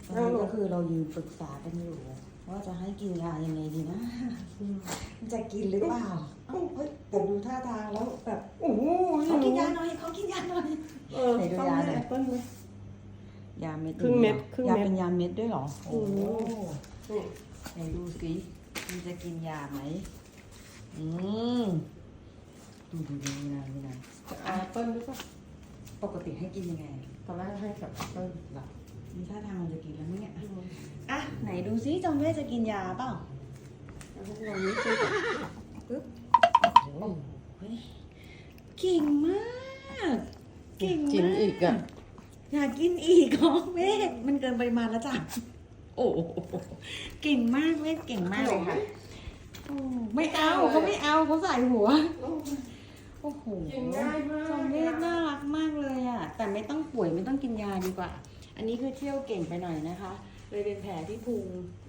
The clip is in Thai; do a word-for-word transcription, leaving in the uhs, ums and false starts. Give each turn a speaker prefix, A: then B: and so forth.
A: ตอนนี้ก็คือเรายืนปรึกษากันอยู่ว่าจะให้กินยายังไงดีนะจะกินหรือเปล่าเอ้าเฮ้ยแต่ดูท่าทางแล้วแบบโอ้โหเขากินยาหน่อยเขากินยาหน่อย
B: เออ
A: ไหนดู
B: ต้อง
A: ยา
B: ให้
A: หน่อย
B: แอปเปิ้ลไหม
A: ยาเม็ด
B: ครึ่งเม็ด
A: ดียว
B: ครึ่ง
A: ยา
B: เม็ด
A: เป็นยาเม็ดด้วยเหรอโอ้โห
B: นี่
A: ไหนดูสิมันจะกินยาไหมอืมดูดูดูนะนี่นะ
B: แอปเปิ้ลหรือเปล่า
A: ปกติให้กินยังไง
B: ตอนแรกให้กับแอปเปิ้ลหลับ
A: มีท่าทางมันจะกินแล้วไหมเนี่ยอ่ะไหนดูซิจอมเวทจะกินยาเปล่า
B: แล้วพวกเรานี่คือแบบ
A: ปึ๊บโอ้โหเก่งมาก เก่ง
B: กิน
A: มาก
B: อีกอ่ะ
A: อยากกินอีกเหรอเวทมันเกินปริมาณแล้วจ้ะโอ้โหเก่งมากเวทเก่งมากเลยค่ะโอ้ไม่เอาเขาไม่เอาเขาใส่หัว โอ้โห
B: กินง่ายมาก
A: จอมเวทน่ารักมากเลยอ่ะ แต่ไม่ต้องป่วยไม่ต้องกินยาดีกว่า อันนี้คือเที่ยวเก่งไปหน่อยนะคะ เลยเป็นแผลที่พุง